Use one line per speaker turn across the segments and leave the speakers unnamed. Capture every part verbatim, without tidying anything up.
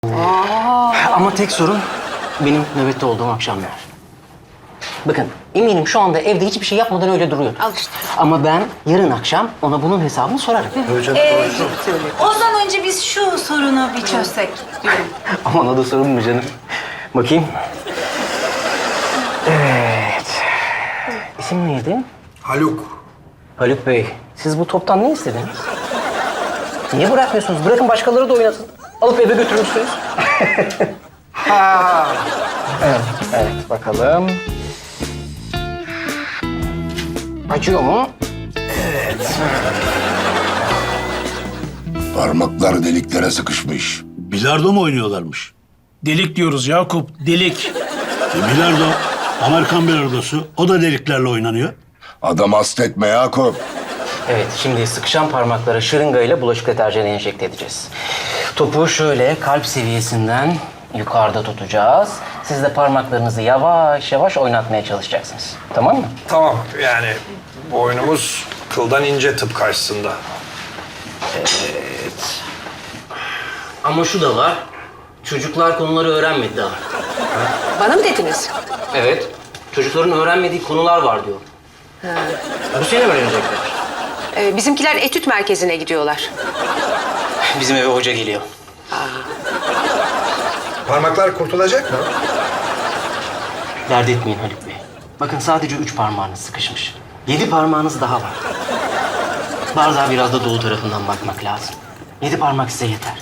Aa.
Ama tek sorun benim nöbette olduğum akşamlar. Bakın eminim şu anda evde hiçbir şey yapmadan öyle duruyor.
Al işte.
Ama ben yarın akşam ona bunun hesabını sorarım.
Ee, ondan önce biz şu sorunu bir çözsek diyorum.
Aman o da sorun mu canım? Bakayım. Evet. İsim neydi?
Haluk.
Haluk Bey, siz bu toptan ne istediniz? Niye bırakmıyorsunuz? Bırakın başkaları da oynasın. Alıp eve götürmüşsünüz. Ha. Evet, evet, bakalım. Acıyor mu?
Parmaklar deliklere sıkışmış.
Bilardo mu oynuyorlarmış?
Delik diyoruz Yakup, delik.
E, bilardo, Amerikan bilardosu. O da deliklerle oynanıyor.
Adam hasta etme Yakup.
Evet, şimdi sıkışan parmaklara şırıngayla bulaşık deterjanı enjekte edeceğiz. Topu şöyle kalp seviyesinden yukarıda tutacağız. Siz de parmaklarınızı yavaş yavaş oynatmaya çalışacaksınız. Tamam mı?
Tamam yani boynumuz kıldan ince tıp karşısında.
Ama şu da var. Çocuklar konuları öğrenmedi daha.
Bana mı dediniz?
Evet. Çocukların öğrenmediği konular var diyor. Bu sene öğrenecekler.
Ee, bizimkiler etüt merkezine gidiyorlar.
Bizim eve hoca geliyor.
Parmaklar kurtulacak mı?
Dert etmeyin Haluk Bey. Bakın sadece üç parmağınız sıkışmış. Yedi parmağınız daha var. Bardağa biraz da dolu tarafından bakmak lazım. Yedi parmak size yeter.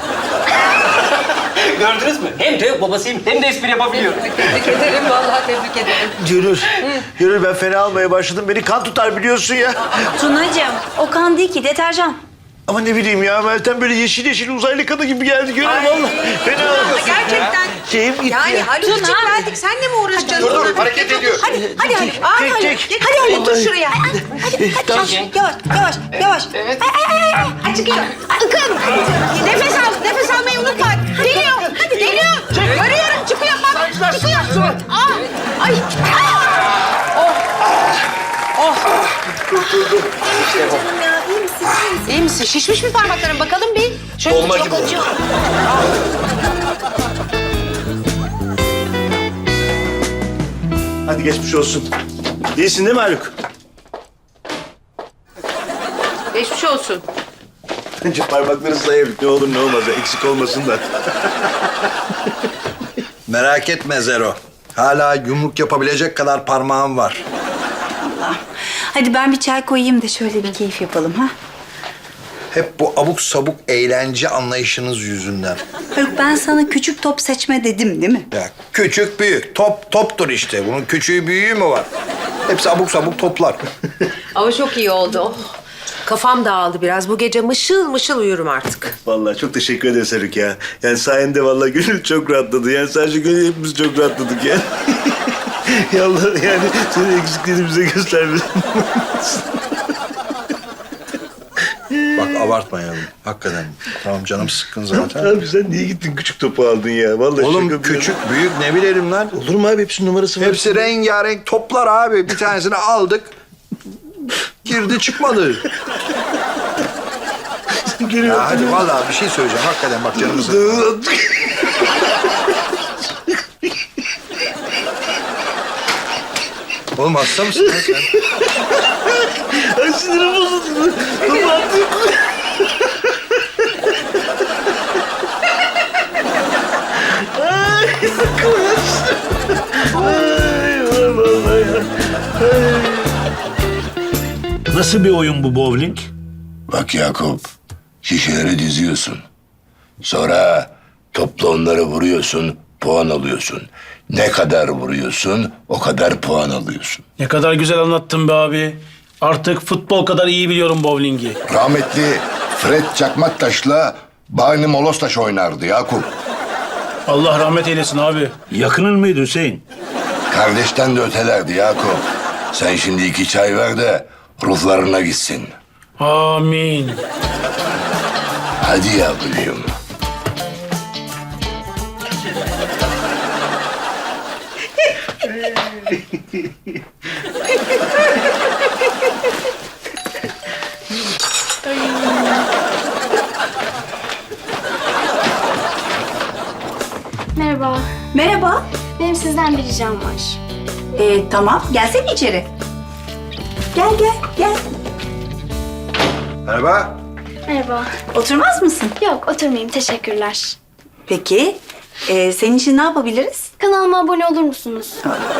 Gördünüz mü? Hem de babasıyım hem de espri yapabiliyor.
Tebrik ederim, vallahi tebrik ederim.
Gönül, Gönül ben fena almaya başladım. Beni kan tutar biliyorsun ya.
Tunacığım, o kan değil ki, deterjan.
Ama ne bileyim ya, Meltem böyle yeşil yeşil uzaylı kanı gibi geldi Gönül vallahi. Fena oldu.
Gerçekten.
Şeyim gitti
Yani
ya.
Haluk'cum geldik, senle mi uğraşacaksın?
Dur dur hareket ediyor.
Hadi, hadi Haluk. Aa,
çek,
Haluk.
çek.
Gel, hadi Haluk, dur şuraya. Hadi, hadi, hadi.
Tamam.
Yavaş, yavaş, yavaş. Evet. Ay, ay, ay, ay. Ay, çıkıyor. Akın. Nefes al, nefes almayı unutma. Geliyor, hadi geliyor. Görüyorum, çıkıyor bak. Çıkıyor. Aa, ay.
Canım ya, iyi misin?
İyi misin? Şişmiş mi parmakların? Bakalım bir. Şöyle
Olma
çok
gibi oldu.
acıyor.
Hadi geçmiş olsun. İyisin değil mi Haluk?
Geçmiş olsun.
Önce parmakları sayayım. Ne olur ne olmaz ya, eksik olmasın da.
Merak etme Zero. Hala yumruk yapabilecek kadar parmağım var.
Hadi ben bir çay koyayım da şöyle bir keyif yapalım ha.
Hep bu abuk sabuk eğlence anlayışınız yüzünden.
Haluk, ben sana küçük top seçme dedim değil mi?
Ya küçük büyük top toptur işte. Bunun küçüğü büyüğü mü var? Hepsi abuk sabuk toplar.
Ama çok iyi oldu. Oh. Kafam dağıldı biraz. Bu gece mışıl mışıl uyurum artık.
Vallahi çok teşekkür ederiz Haluk ya. Yani sayende vallahi Gönül çok rahatladı. Yani sadece Gönül hepimiz çok rahatladık yani. Ya Allah, yani senin eksikliğini bize göstermedin.
Bak abartmayalım. Hakikaten. Tamam canım sıkkın zaten.
Abi sen niye gittin küçük topu aldın ya? Vallahi
Oğlum
şaka
küçük büyük ne bilirim lan.
Olur mu abi? Hepsinin numarası var.
Hepsi rengarenk toplar abi. Bir tanesini aldık. Girdi çıkmadı. Ya hadi vallahi bir şey söyleyeceğim. Hakikaten bak canımı sıkkın. Oğlum hasta mısın lan sen?
Ay sinirim bozuldu. Topu attım. Ay sıkılmıştım. Ay vallahi ya.
Nasıl bir oyun bu bowling?
Bak Yakup, şişeleri diziyorsun. Sonra topla onları vuruyorsun, puan alıyorsun. Ne kadar vuruyorsun, o kadar puan alıyorsun.
Ne kadar güzel anlattın be abi. Artık futbol kadar iyi biliyorum bowlingi.
Rahmetli Fred Çakmaktaş'la Bani Molostaş oynardı Yakup.
Allah rahmet eylesin abi.
Yakının mıydı Hüseyin?
Kardeşten de ötelerdi Yakup. Sen şimdi iki çay ver de ruhlarına gitsin.
Amin.
Hadi yavrucuğum.
Merhaba.
Merhaba.
Benim sizden bir ricam var.
Ee, tamam, gelsene içeri. Gel, gel, gel.
Merhaba.
Merhaba.
Oturmaz mısın?
Yok, oturmayayım. Teşekkürler.
Peki, ee, senin için ne yapabiliriz?
Kanalıma abone olur musunuz?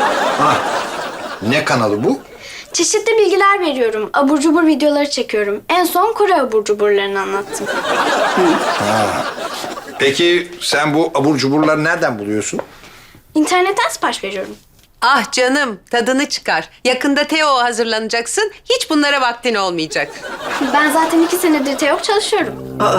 Ne kanalı bu?
Çeşitli bilgiler veriyorum. Abur cubur videoları çekiyorum. En son Kore abur cuburlarını anlattım.
Peki sen bu abur cuburları nereden buluyorsun?
İnternetten sipariş veriyorum.
Ah canım, tadını çıkar. Yakında Teo hazırlanacaksın. Hiç bunlara vaktin olmayacak.
Ben zaten iki senedir TEOK çalışıyorum.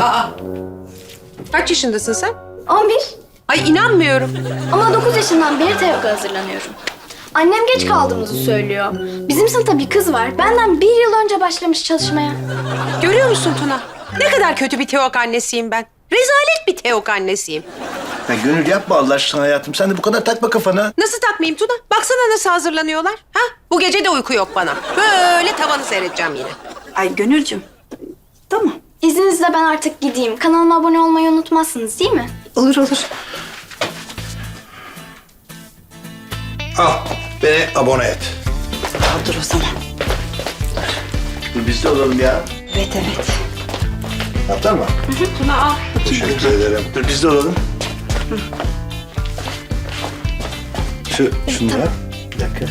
Kaç yaşındasın sen?
on bir.
Ay inanmıyorum.
Ama dokuz yaşından beri TEOK'a hazırlanıyorum. Annem geç kaldığımızı söylüyor. Bizim sınıfta bir kız var. Benden bir yıl önce başlamış çalışmaya.
Görüyor musun Tuna? Ne kadar kötü bir Teok annesiyim ben. Rezalet bir Teok annesiyim.
Ya Gönül yapma Allah aşkına hayatım. Sen de bu kadar takma kafana.
Nasıl takmayayım Tuna? Baksana nasıl hazırlanıyorlar. Ha? Bu gece de uyku yok bana. Böyle tavanı seyredeceğim yine.
Ay Gönülcüm. Tamam.
İzninizle ben artık gideyim. Kanalıma abone olmayı unutmazsınız değil mi?
Olur olur.
Al, beni abone et.
Al dur o zaman.
Dur biz de olalım ya.
Evet evet.
Yaptın mı?
Tuna al.
Teşekkür ederim.
Dur biz de olalım. Şu, şunu yap. Bir dakika.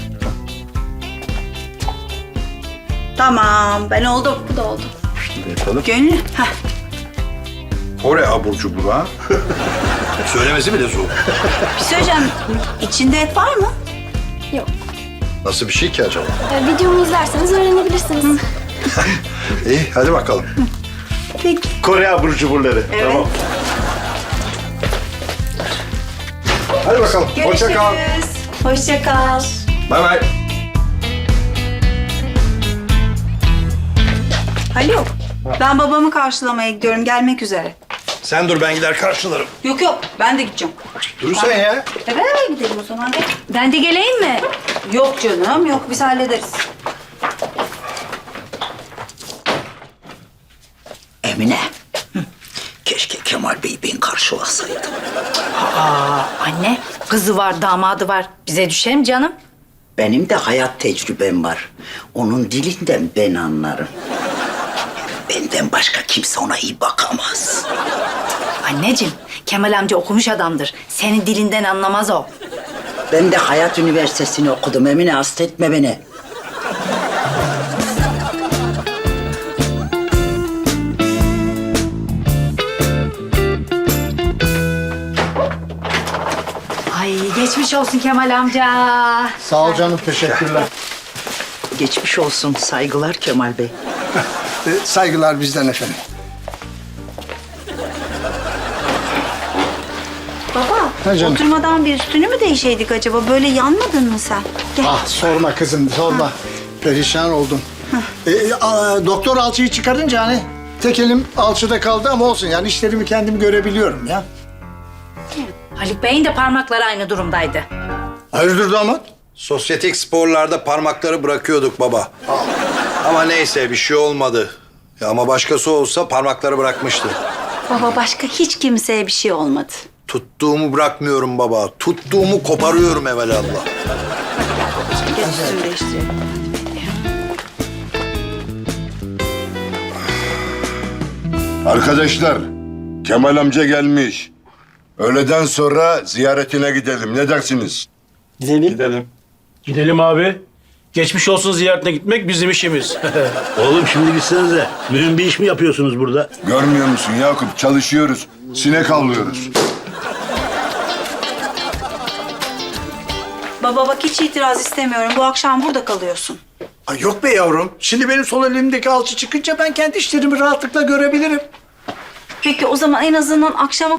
Tamam, ben oldum.
Bu da oldu.
Şunu da yapalım.
Gönül. Heh.
Kore abur cuburu ha? Söylemesi bile zor.
Bir şey söyleyeceğim. İçinde et var mı?
Yok.
Nasıl bir şey ki acaba?
Ee, videomu izlerseniz öğrenebilirsiniz.
İyi, hadi bakalım.
Peki.
Kore abur cuburları.
Evet.
Tamam.
Hadi bakalım. Hoşça kal.
Hoşça kal.
Bay bay.
Haluk, ben babamı karşılamaya gidiyorum. Gelmek üzere.
Sen dur, ben gider karşılarım.
Yok yok, ben de gideceğim.
Dur sen ya.
E beraber gidelim o zaman. Gel. Ben de geleyim mi? Yok canım, yok. Biz hallederiz.
Emine, hı, keşke Kemal Bey ben karşılasaydım.
Aa, anne, kızı var, damadı var. Bize düşer mi canım?
Benim de hayat tecrübem var. Onun dilinden ben anlarım. Benden başka kimse ona iyi bakamaz.
Anneciğim, Kemal amca okumuş adamdır. Senin dilinden anlamaz o.
Ben de Hayat Üniversitesi'ni okudum Emine, hasta etme beni.
Ay, geçmiş olsun Kemal amca.
Sağ ol canım, teşekkürler.
Geçmiş olsun, saygılar Kemal Bey.
Ee, saygılar bizden efendim.
Baba,
Ha canım.
oturmadan bir üstünü mü değişeydik acaba? Böyle yanmadın mı sen? Gel.
Ah sorma kızım, sorma. Perişan oldum. Ee, a, doktor alçıyı çıkarınca hani tek elim alçıda kaldı ama olsun yani işlerimi kendim görebiliyorum ya.
Haluk Bey'in de parmakları aynı durumdaydı.
Hayırdır damat?
Sosyetik sporlarda parmakları bırakıyorduk baba. Ama neyse, bir şey olmadı. Ya ama başkası olsa parmakları bırakmıştı.
Baba, başka hiç kimseye bir şey olmadı.
Tuttuğumu bırakmıyorum baba. Tuttuğumu koparıyorum evelallah.
Geç üstünü değiştirelim.
Arkadaşlar, Kemal amca gelmiş. Öğleden sonra ziyaretine gidelim. Ne dersiniz?
Gidelim. Gidelim abi. Geçmiş olsun ziyaretine gitmek bizim işimiz.
Oğlum şimdi gitsenize. Mühim bir iş mi yapıyorsunuz burada?
Görmüyor musun Yakup? Çalışıyoruz. Sinek avlıyoruz.
Baba bak, hiç itiraz istemiyorum. Bu akşam burada kalıyorsun.
Ay yok be yavrum. Şimdi benim sol elimdeki alçı çıkınca ben kendi işlerimi rahatlıkla görebilirim.
Peki o zaman en azından akşama